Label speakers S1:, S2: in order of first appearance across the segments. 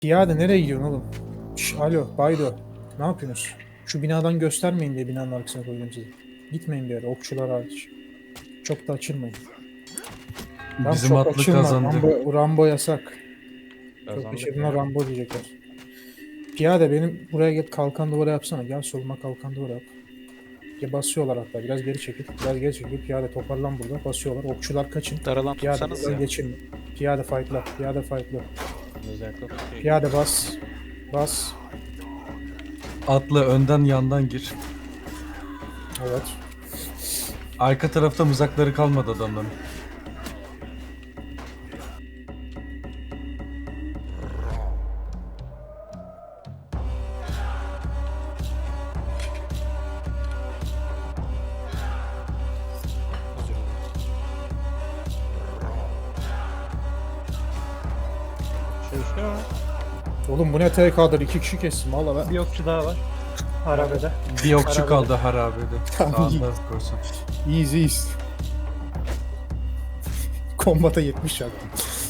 S1: Piyade nereye gidiyorsun oğlum? Alo, Baydo. Ne yapıyorsunuz? Şu binadan göstermeyin diye binanın arkasına koydum sizi. Gitmeyin bir yere, okçular hariç. Çok da açılmayın. Tamam
S2: Bizim
S1: çok
S2: atlı
S1: açılma.
S2: kazandı.
S1: Rambo yasak. Çok
S3: Kazandık
S1: açıldığında
S3: ya.
S1: Rambo diyecekler. Piyade benim buraya gel kalkan duvara yapsana. Gel soluma kalkan duvara yap. Ya basıyorlar hatta. Biraz geri çekil. Biraz geri çekil. Piyade toparlan burada. Basıyorlar. Okçular kaçın.
S4: Daralan
S1: Piyade
S4: tutsanız
S1: buradan
S4: ya.
S1: geçin. Piyade fightla. Piyade fightla.
S3: Özellikle tutuyor.
S1: Piyade bas. Bas.
S2: Atlı önden yandan gir.
S1: Evet.
S2: Arka tarafta mızrakları kalmadı adamların.
S4: Özür dilerim.
S3: Çalışıyor mu?
S1: Oğlum bu ne TK'dır? 2 kişi kestim. Valla ben.
S5: Bir okçu daha var. Harabede.
S2: Bir okçu
S5: Harabede.
S2: kaldı harabede.
S1: Tamam, iyi.
S2: Sağında korsan.
S1: İyiyiz iyiyiz. Kombata 70 yaptım.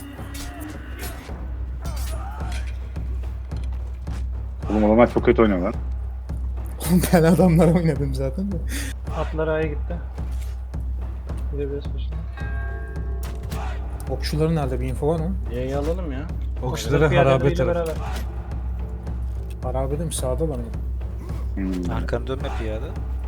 S6: Oğlum adamlar çok kötü oynuyor lan.
S1: Ben adamlar oynadım zaten de.
S5: Atlar A'ya gitti. Gidebiliriz peşinden.
S1: Okçuların nerede, bir info var mı?
S3: Y'yi alalım ya.
S2: Okçuları
S5: Piyadeleriyle
S2: harabe tarafı.
S5: beraber.
S1: Harabede mi, sağda var mı?
S4: Arkanı dönme piyade.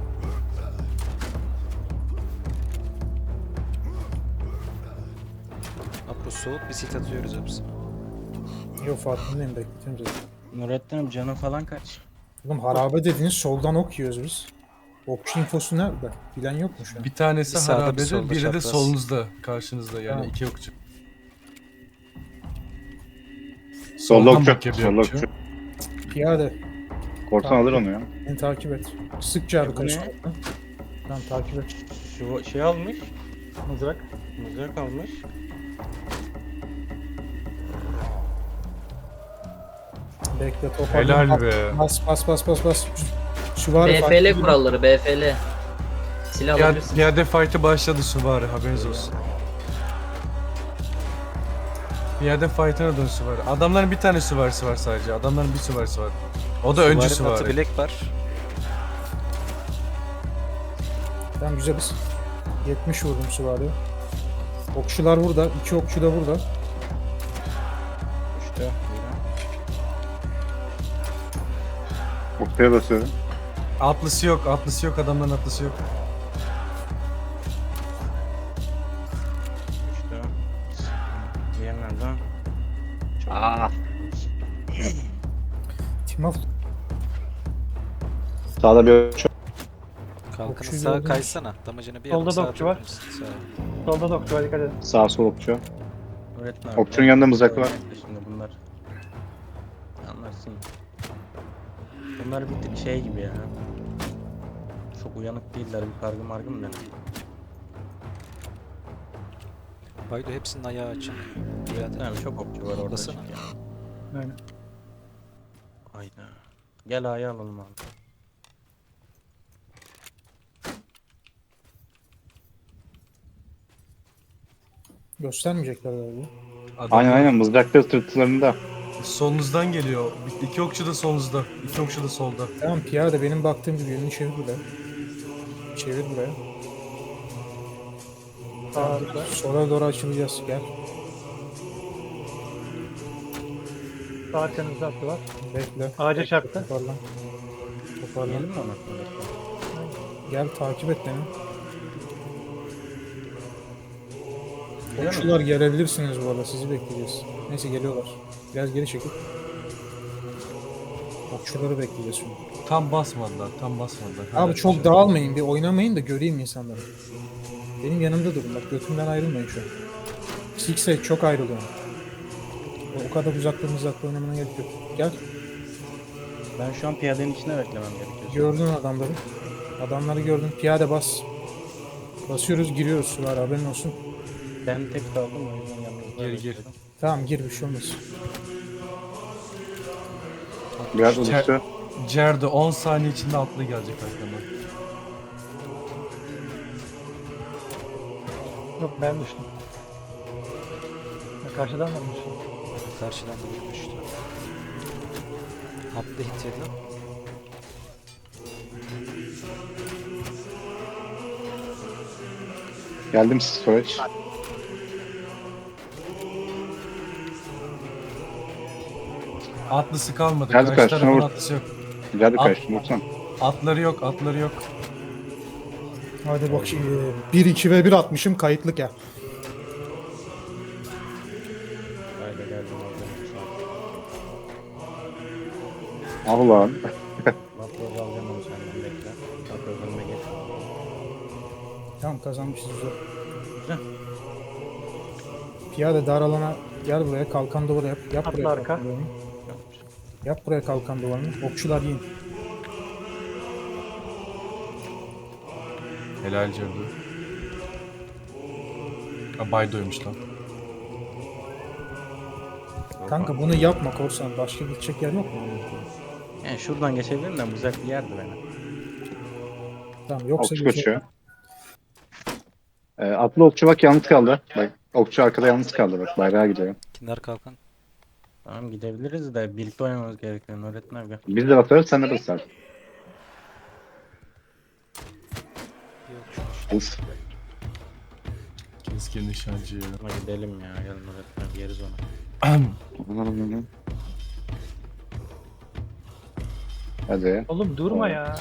S4: Apo soğuk bir sit atıyoruz hepsine.
S1: Yok farkındayım, bekletiyorum zaten.
S3: Nurettin'im canın falan kaç?
S1: Oğlum harabe dediniz, soldan ok yiyoruz biz. Okçu infosu nerede? Bilen yok mu şu an?
S2: Bir tanesi
S4: Bir sağda, bir
S2: harabede,
S4: solda
S2: biri de
S4: çapraz.
S2: solunuzda, karşınızda yani
S1: Tamam.
S2: iki okçu.
S6: Solda
S2: Soldan
S6: okçu.
S2: bakıyor bir
S6: Solda
S2: okçu.
S6: okçu.
S1: Piyade,
S6: Korsan alır onu ya.
S1: beni takip et. Sıkça abi
S3: bu ne?
S1: karışma. Tamam takip et.
S3: Şu şey almış.
S5: Mızrak.
S3: Mızrak almış.
S1: Bekle, toparlan.
S2: Helal be.
S1: Bas. Süvari
S7: BFL kuralları BFL. Silah alabilirsin.
S2: Piyade fight'ı başladı süvari, haberiniz olsun. Piyade fight'ına dön süvari. Adamların bir tane süvarisi var sadece. Adamların bir süvarisi var. O da öncü
S4: Süvarinin atı
S2: süvari.
S4: bilek var.
S1: Tamam güzeliz. 70 vurdum süvari. Okçular burada. 2 okçu da burada.
S3: İşte.
S6: Okçuya basıyorum.
S2: Atlısı yok, atlısı yok, adamların atlısı yok.
S3: İşte. Diğer nerede?
S7: Aa,
S1: Timaf
S6: Sağda bir okçu.
S4: Kalkanı
S1: Okçuyu
S4: sağa
S1: gördüm.
S4: kaysana. Damacını bir
S5: Solda
S4: adım
S5: da
S4: sağa
S5: okçu var.
S4: atabilirsin. Sağa.
S5: Solda da okçu var, dikkat edin.
S6: Sağ sol okçu.
S3: Nurettin abi.
S6: Okçunun yanında mızrak var.
S3: Şimdi bunlar. Anlarsın. Bunlar bir tık şey gibi ya. Çok uyanık değiller, bir kargı margım da.
S4: Baydo hepsinin ayağı açık. Piyade.
S3: Tamam, çok okçu var orada.
S4: Atlasana.
S3: çünkü ya.
S5: Aynen.
S3: Aynen. Gel A'yı alalım abi.
S1: göstermeyecekler galiba.
S2: Adamlar
S6: Aynen mızrakta sırtlarında.
S2: solunuzdan geliyor. İki okçu da solunuzda. İki okçu da solda.
S1: Tamam piyade, benim baktığım gibi yönünü çevir buraya. Çevir buraya. Tamam, sola doğru açılacağız. Gel.
S5: Sağ arkanızda atlı var.
S1: Bekle.
S5: Ağaca çarptı.
S1: Toparlan. Toparlan.
S3: Yiyelim mi onu?
S1: Gel takip et beni.
S3: Geliyor mu?
S1: Okçular gelebilirsiniz bu arada. Sizi bekleyeceğiz. Neyse geliyorlar. Biraz geri çekil. Okçuları bekleyeceğiz şimdi.
S2: Tam basmadılar, tam basmadılar.
S1: Abi çok dağılmayın. Bir oynamayın da göreyim insanları. Benim yanımda durun. Bak götümden ayrılmayın şu an. Six'e çok ayrılıyor. O kadar uzakta oynamana gerek yok. Gel.
S3: Ben şu an piyadenin içine beklemem gerekiyor.
S1: Gördün adamları. Adamları gördün. Piyade bas. Basıyoruz, giriyoruz sular. Haberin olsun.
S3: Ben tek kaldım o yüzden yanınızda.
S2: Gir, gir.
S3: bekliyorum.
S1: Tamam gir, bir şey olmaz.
S6: Biraz uçtu.
S2: Cerdo 10 saniye içinde atlı gelecek arkamdan.
S5: Yok ben düştüm. Karşıdan mı düştüm?
S4: Karşıdan da bir düştü. Atlı hit yedi.
S6: Geldim storage.
S2: Atlısı kalmadı.
S6: Geldi
S2: Karşı
S6: karşına
S2: tarafın
S6: vur.
S2: atlısı yok.
S6: Geldi
S2: At-
S6: karşıma vursana.
S2: Atları yok, atları yok.
S1: Hadi bak şimdi 1-2 ve 1 atmışım kayıtlık ya.
S3: Haydi geldim oradan.
S6: Ah lan.
S3: Vapur alacağım onu senden bekle. Vapur önüme geç.
S1: Tamam kazanmışız güzel.
S3: Güzel.
S1: Piyade dar alana gel buraya kalkan duvarı yap. Yap
S5: Atla
S1: buraya
S5: arka.
S1: kalkan duvarını. Yap buraya kalkan duvarını. Okçular yiyin.
S2: Helal Cerdu. Baydo'ymuş lan.
S1: Kanka bunu yapma korsan. Başka gidecek yer yok mu?
S3: Yani şuradan geçebilirim de bu zevkli yerdi beni.
S1: Tamam yoksa
S6: Okçu
S1: gidecek-
S6: kaçıyor. Atlı okçu bak yalnız kaldı. Bak okçu arkada yalnız kaldı bak bayrağa gidiyor.
S4: Kinder kalkan.
S3: Tamam gidebiliriz de birlikte oynamamız gerekiyor Nurettin abi.
S6: Biz de basarız sen de basarsın.
S4: Bir okçu.
S6: Biz.
S2: Keskin nişancı ya.
S3: Ama gidelim ya gel Nurettin abi yeriz onu.
S6: Hadi.
S5: Oğlum durma ya.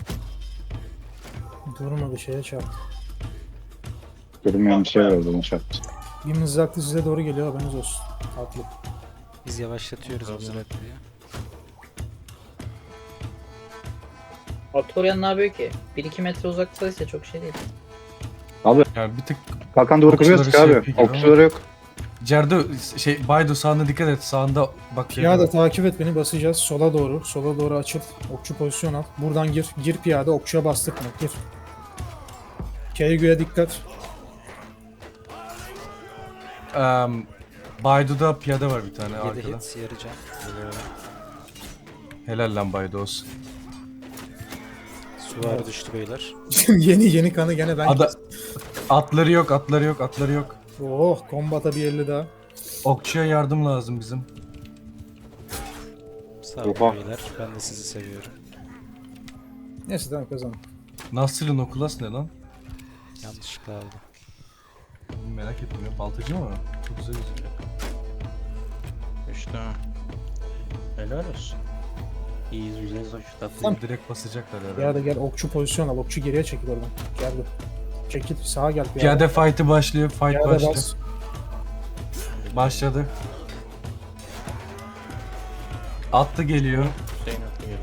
S1: Durma bir şeye çarp.
S6: Görünmeyen bir şey var orada onu çarptı.
S1: Bir mızraklı size doğru geliyor haberiniz olsun. Atlı.
S4: Biz yavaşlatıyoruz
S3: Tamam.
S4: mızraklıyı.
S7: Artorian ne yapıyor ki? 1-2 metre uzaktaysa çok şey değil.
S2: Yani bir tık
S6: Kalkan duvarı
S2: Okçuları
S6: kuruyoruz ki
S2: şey
S6: abi.
S2: yapıyor gibi ama.
S6: Okçuları yok.
S2: Cerdu Baydo sağına dikkat et. Sağında bak
S1: Piyade takip et beni basacağız. Sola doğru. Sola doğru açıl. Okçu pozisyon al. Buradan gir. Gir piyade. Okçuya bastırma. Gir. Keygü'ye dikkat.
S2: Baydo'da piyade var bir tane
S4: 7
S2: arkada.
S4: hit yarı can.
S2: Helal lan Baydo olsun.
S4: Suvari düştü beyler.
S1: yeni kanı gene ben
S2: Ada atları yok, atları yok, atları yok.
S1: Oh kombata bir 50 daha.
S2: Okçuya yardım lazım bizim.
S4: Sağ olun
S6: Oha.
S4: beyler. Ben de sizi seviyorum.
S1: Neyse tamam kazandım.
S2: Nasır'ın okulas ne lan?
S4: Yanlışlıkla aldım.
S2: Merak ettim ya. Baltacı mı? Çok güzel gözüküyor.
S3: İşte. Helal olsun. İyiyiz güzeliz hoş tatlı.
S1: Tamam.
S2: Direkt basacaklar herhalde.
S1: Piyade gel okçu pozisyon al. Okçu geriye çekil oradan. Gel dur. Çekil sağa gel piyade.
S2: Piyade fight'ı başlıyor. Fight
S1: Piyade
S2: başlıyor.
S1: bas.
S2: Başladı. Atlı geliyor.
S3: Hüseyin atlı geliyor.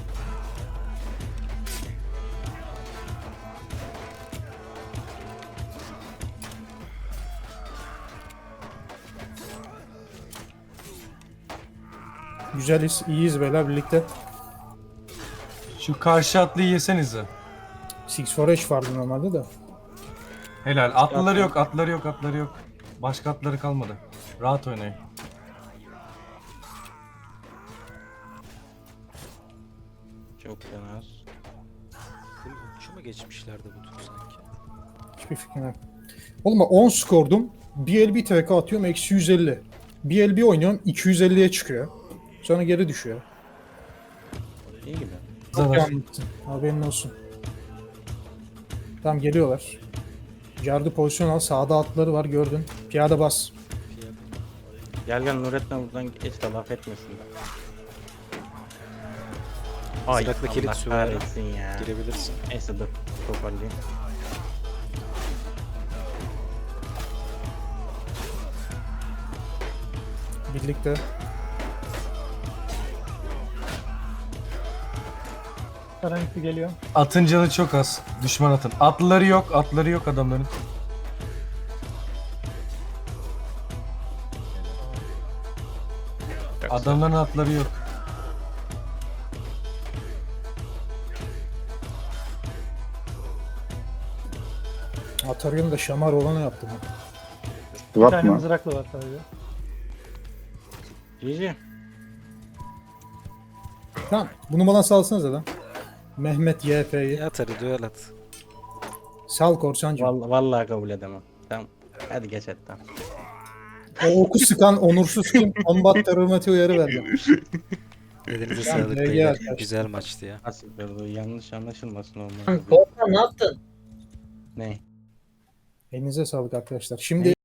S1: Güzeliz. İyiyiz beyler birlikte.
S2: Şu karşı atlıyı yesenize.
S1: Six Forage vardı normalde de.
S2: Helal. Atlıları yok, atları yok, atları yok. Başka atları kalmadı. Rahat oynayın.
S3: Çok fena.
S4: Full okçu mu geçmişlerdi bu tur sanki?
S1: Hiçbir fikrim yok. Oğlum bak 10 skordum. Bir el bir TK atıyorum eksi 150. Bir el bir oynuyorum 250'ye çıkıyor. Sonra geri düşüyor.
S3: İyi gibi.
S1: Çok
S2: Zarar.
S1: iyi anlattın. Haberin olsun. Tamam geliyorlar. Jardı pozisyon al. Sağda atları var gördün. Piyade bas.
S4: Piyade.
S3: Gel gel Nurettin buradan geç de laf etmesin de. Ay
S4: Mızraklı kilit
S3: Allah
S4: süvari.
S3: kahretsin ya.
S4: Girebilirsin.
S3: Neyse dur toparlayayım.
S1: Birlikte.
S5: Karanlıklı geliyor.
S2: Atın canı çok az. Düşman atın. Atlıları yok, atları yok adamların. Adamların atları yok.
S1: Atarya'nın da şamar olanı yaptım. ben.
S5: Bir
S6: Swap
S5: tane
S6: mı?
S5: mızraklı var sadece.
S3: GG.
S1: Tamam. Bunu bana salsanıza lan. Mehmet YP'yi.
S4: At hadi duel at.
S1: Sal korsancı.
S3: Vallahi kabul edemem. Tamam. Hadi geç et tamam.
S1: O oku sıkan onursuz kim? Combat terör uyarı verdi.
S4: Elinize
S1: Tamam,
S4: sağlık
S1: GG
S4: beyler.
S1: arkadaşlar.
S4: Güzel maçtı ya.
S3: Nasıl bu yanlış anlaşılmasın
S7: Lan
S3: olmaz.
S7: Korkan ne yaptın?
S3: Ne?
S1: Elinize sağlık arkadaşlar. Şimdi